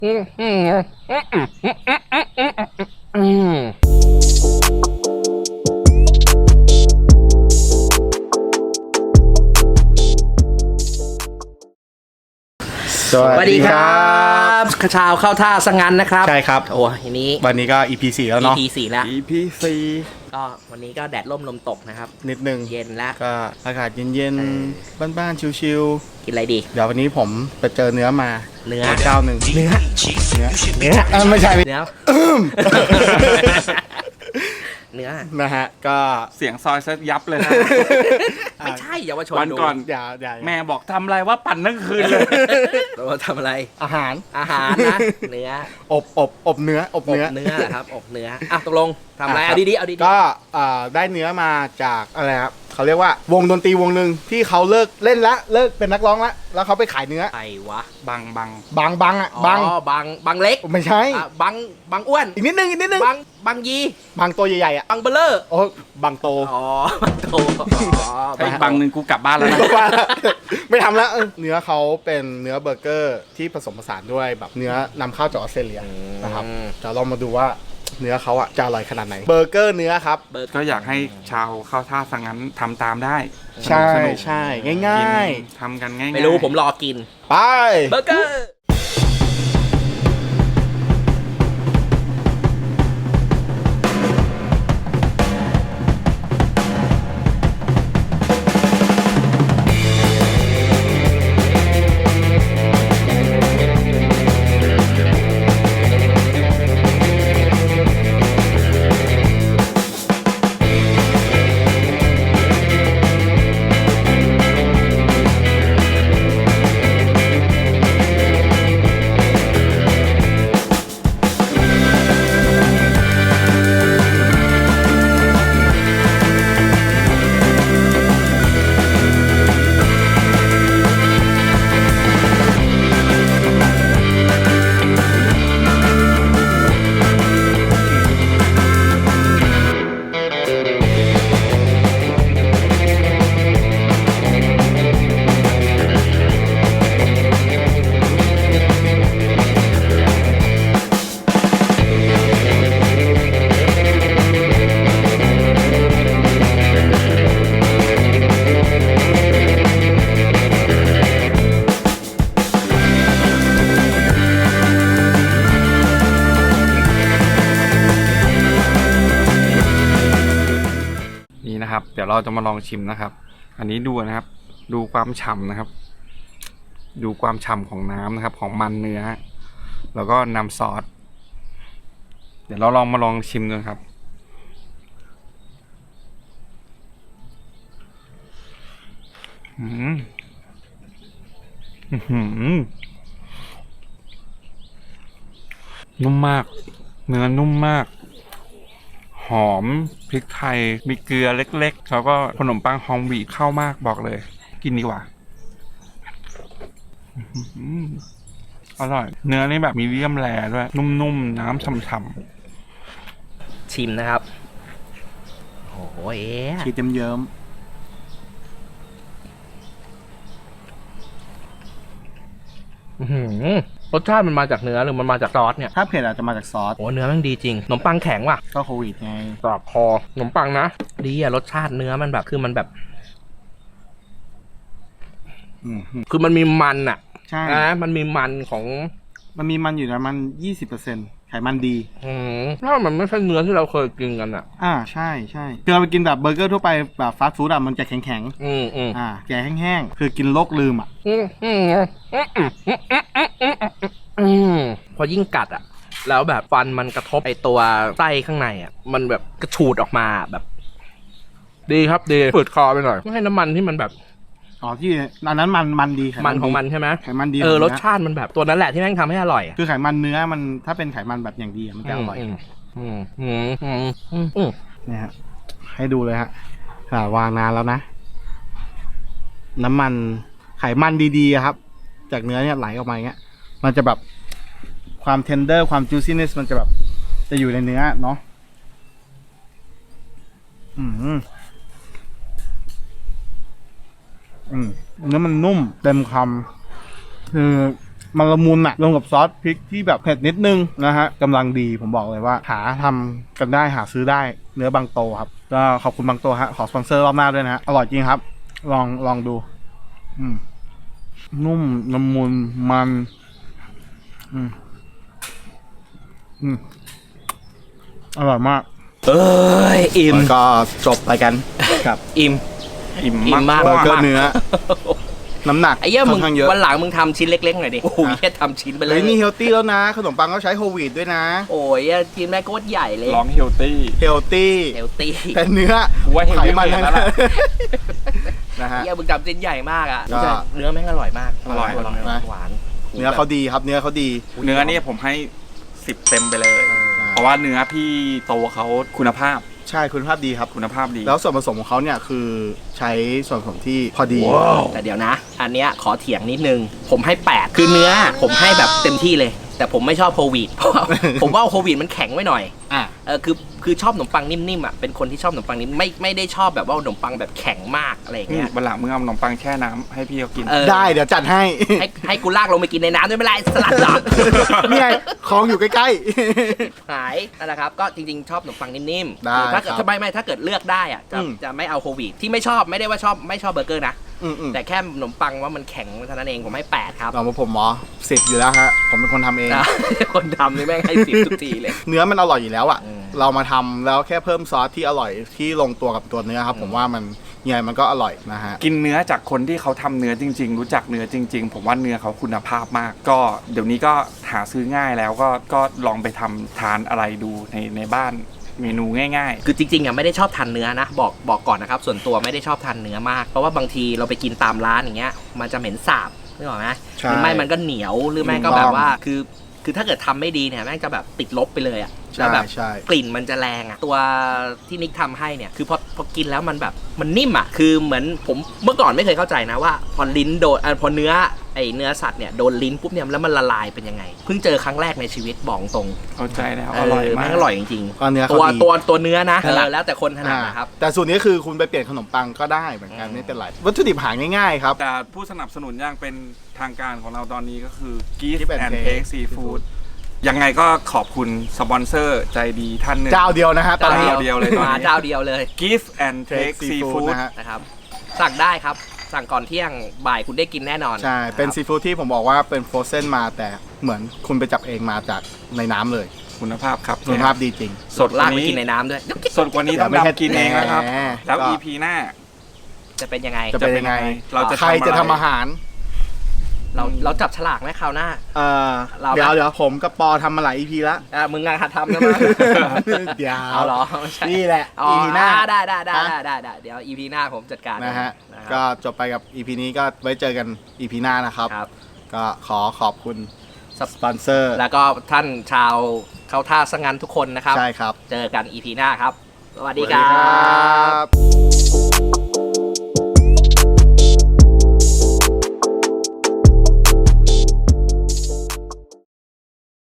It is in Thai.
สวัสดีครับชาวเข้าท่าสังงันนะครับใช่ครับโอ้ยวันนี้ก็ EP 4แล้วเนาะ EP 4แล้ว EP ก็วันนี้ก็แดดร่มลมตกนะครับนิดนึงเย็นแล้วก็อากาศเย็นๆบ้านๆชิวกินอะไรดีๆเดี๋ยววันนี้ผมไปเจอเนื้อมาเจ้าหนึ่งเนื้อไม่ใช่เนื้อเนื้อนะฮะก็เสียงซอยซะยับเลยนะไม่ใช่เยาวชนวันก่อนอย่าแม่บอกทำอะไรว่าปั่นทั้งคืนเลยเราทำอะไรอาหารนะเนื้ออบเนื้อครับอบเนื้ออ่ะตกลงทำอะไรเอาดีๆก็ได้เนื้อมาจากอะไรครับเขาเรียกว่าวงดนตรีวงหนึ่งที่เขาเลิกเล่นละเลิกเป็นนักร้องละแล้วเขาไปขายเนื้อไอ้วะบังอ่ะบังเล็กไม่ใช่บังอ้วนอีกนิดนึงบังยีบังตัวใหญ่ๆอ่ะบังเบลเลอร์โอ้บังโตบังโตไอ้บังหนึ่งกูกลับบ้านแล้วนะไม่ทำแล้วเนื้อเขาเป็นเนื้อเบอร์เกอร์ที่ผสมผสานด้วยแบบเนื้อนำเข้าจากออสเตรเลียนะครับเดี๋ยวเรามาดูว่าเนื้อเขาอ่ะจะอร่อยขนาดไหนเบอร์เกอร์เนื้อครับก็อยากให้ชาวเข้าท่าสังงั้นทำตามได้ใช่ง่ายๆทำกันง่ายๆไม่รู้ผมรอกินไปเบอร์เกอร์เดี๋ยวเราจะมาลองชิมนะครับอันนี้ดูนะครับดูความฉ่ำนะครับดูความฉ่ำของน้ำนะครับของมันเนื้อแล้วก็นำซอสเดี๋ยวเรามาลองชิมดูครับนุ่มมากเนื้อนุ่มมากหอมพริกไทยมีเกลือเล็กๆแล้วก็ขนมปังฮอมวีเข้ามากบอกเลยกินดีกว่าอร่อยเนื้อนี่แบบมีเดียมแรร์ด้วยนุ่มๆน้ำฉ่ำๆชิมนะครับโอ้ยชีสเยิ้มรสชาติมันมาจากเนื้อหรือมันมาจากซอสเนี่ยถ้าเผ็ดอาจจะมาจากซอสโอ้เนื้อมันดีจริงขนมปังแข็งว่ะก็โควิดไงกรอบคอขนมปังนะดีอะรสชาติเนื้อมันแบบคือมันแบบคือมันมีมันอะใช่มันมีมันของมันมีมันอยู่นะมัน20%ไขมันดีถ้ามันไม่ใช่เนื้อที่เราเคยกินกันอะใช่คือเราไปกินแบบเบอร์เกอร์ทั่วไปแบบฟาสต์ฟู้ดอะมันจะแข็งแกแห้งๆคือกินโรคลืมอะพอยิ่งกัดอะแล้วแบบฟันมันกระทบไอตัวไส้ข้างในอะมันแบบกระฉูดออกมาแบบดีครับดีฝืดคอไปหน่อยไม่ให้น้ำมันที่มันแบบที่อันนั้นมันดีมันของมันใช่ไหมไขมันดีรสชาติมันแบบตัวนั้นแหละที่แม่งทำให้อร่อยคือไขมันเนื้อมันถ้าเป็นไขมันแบบอย่างดีมันจะอร่อยเนี่ยฮะให้ดูเลยฮะวางนานแล้วนะน้ำมันไขมันดีๆครับจากเนื้อเนี่ยไหลออกมาอย่างเงี้ยมันจะแบบความเทนเดอร์ความจูซี่เนสมันจะแบบจะอยู่ในเนื้อเนาะเนื้อมันนุ่มเต็มคำคือมันละมุนอะรวมกับซอสพริกที่แบบเผ็ดนิดนึงนะฮะกำลังดีผมบอกเลยว่าหาทำกันได้หาซื้อได้เนื้อบางโตครับก็ขอบคุณบางโตฮะขอสปอนเซอร์รอบหน้าด้วยนะฮะอร่อยจริงครับลองดูนุ่มละมุนมันอร่อยมากเอ้ยอิ่มแล้วก็จบไปกันกับอิ่มอิ่มอิ่มมากเบอร์เกอร์เนื้อ น้ำหนักไอ้เหี้ยค่มึอง นข้างเยอะวันหลังมึงทำชิ้นเล็กๆหน่อยดิโอ้ยแค่ทำชิ้นไปเลเฮ้ยยนี่เฮลตี้แล้วนะ ขนมปังก็ใช้โฮลวีตด้วยนะโอ้ยชิ้นแม่งโคตรใหญ่เลยร้องเฮลตี้เฮลตี้เฮลตี้แต่เนื้อกูว่าเฮลไขตี้มันเกิทั้นงแล้วนั้นล่ะนะฮะเหี้ยมึงทำชิ้นใหญ่มากอ่ะก็เนื้อแม่งอร่อยมากอร่อยหวานเนื้อเขาดีครับเนื้อเขาดีเนื้อนี่ผมให้10เต็มไปเลย เพราะว่าเนื้อพี่โตเขาคุณภาพใช่คุณภาพดีครับคุณภาพดีแล้วส่วนผสมของเขาเนี่ยคือใช้ส่วนผสมที่พอดีแต่เดี๋ยวนะ อันเนี้ยขอเถียงนิดนึง ผมให้ 8 คือเนื้อผมให้แบบเต็มที่เลย แต่ผมไม่ชอบโควิดเพราะว่าผมว่าโควิดมันแข็งไว้หน่อยอ่ะคือชอบขนมปังนิ่มๆอ่ะเป็นคนที่ชอบขนมปังนิ่มไม่ได้ชอบแบบว่าขนมปังแบบแข็งมากอะไรอย่างเงี้ยวันหลังมึงเอาขนมปังแช่น้ำให้พี่เขากินเออได้เดี๋ยวจัดให้ให้กูลากลงไปกินในน้ำด้วยไม่เป็นไรสลัดหลักนี่ไงของอยู่ใกล้หายนั่นแหละครับก็จริงๆชอบขนมปังนิ่มๆได้ถ้าเกิดครับไม่ถ้าเกิดเลือกได้อ่ะจะอืมจะไม่เอาโควิดที่ไม่ชอบไม่ได้ว่าชอบไม่ชอบเบอร์เกอร์นะๆอืมแต่แค่ขนมปังว่ามันแข็งเท่านั้นเองผมให้ 8 ครับเรามาผมหมอ10อยู่แล้วฮะผมเป็นคนทำเองนะ คนทำนี่แม่งให้10ทุกทีเลยเนื้อมันอร่อยอยู่แล้วอ่ะอืมเรามาทำแล้วแค่เพิ่มซอสที่อร่อยที่ลงตัวกับตัวเนื้อครับ ผมว่ามันยังไงมันก็อร่อยนะฮะกินเนื้อจากคนที่เขาทำเนื้อจริง ๆ รู้จักเนื้อจริง ๆ ผมว่าเนื้อเขาคุณภาพมาก ก็เดี๋ยวนี้ก็หาซื้อง่ายแล้วก็ลองไปทำทานอะไรดูในบ้านเมนูง่ายคือจริงๆอ่ะไม่ได้ชอบทานเนื้อนะบอกก่อนนะครับส่วนตัวไม่ได้ชอบทานเนื้อมากเพราะว่าบางทีเราไปกินตามร้านอย่างเงี้ยมันจะเหม็นสาบนึกออกไหมใช่หรือไม่มันก็เหนียวหรือไม่ก็แบบว่าคือถ้าเกิดทำไม่ดีเนี่ยแม่งจะแบบติดลบไปเลยอ่ะแล้วแบบใช่กลิ่นมันจะแรงอ่ะตัวที่นิกทำให้เนี่ยคือพอกินแล้วมันแบบมันนิ่มอ่ะคือเหมือนผมเมื่อก่อนไม่เคยเข้าใจนะว่าพอลิ้นโดนพอเนื้อสัตว์เนี่ยโดนลิ้นปุ๊บเนี่ยแล้วมันละลายเป็นยังไงเพิ่งเจอครั้งแรกในชีวิตบอกตรงๆเข้าใจแล้วอร่อยมากแม่งอร่อยจริงก็เนื้อๆเขาดีตัวเนื้อนะแล้วแต่คนถนัดนะครับแต่สูตรนี้คือคุณไปเปลี่ยนขนมปังก็ได้เหมือนกันไม่เป็นไรวัตถุดิบหาง่ายๆครับแต่ผู้สนับสนุนอย่างเป็นทางการของเราตอนนี้ก็คือ Give Give and and Take Take Seafood ยังไงก็ขอบคุณสปอนเซอร์ใจดีท่านหนึ่งเจ้าเดียวนะฮะตอนนี้เจ้าเดียวเลยตอนนี้มาเจ้าเดียวเลย Give and Take Take Seafood Seafood นะฮะนะครับสั่งได้ครับสั่งก่อนเที่ยงบ่ายคุณได้กินแน่นอนใช่เป็นครับซีฟู้ดที่ผมบอกว่าเป็นฟรอเซนมาแต่เหมือนคุณไปจับเองมาจากในน้ำเลยคุณภาพครับคุณภาพดีจริงสดกลาว่ากไปนี้กินในน้ำด้วยสดกว่านี้ต้องไม่ใช่ดำกินเองนะครับแหมแล้วก็ EP หน้าจะเป็นยังไงจะเป็นยังไงเราจะใครจะทำอาหารเราจับฉลากไหมคราวหน้า เราเดี๋ยวผมกับปอทำมาหลาย EP แล้วมึงงานหัดทำนะมั้งเดี๋ยวเอาเหรอไม่ใช่นี่แหละอ๋อ EP หน้าได้เดี๋ยว EP หน้าผมจัดการนะฮะนะครับก็จบไปกับ EP นี้ก็ไว้เจอกัน EP หน้านะครับครับก็ขอบคุณสปอนเซอร์แล้วก็ท่านชาวเข้าท่าสังงานทุกคนนะครับใช่ครับเจอกัน EP หน้าครับ สวัสดีสวัสคดีรัครับ บ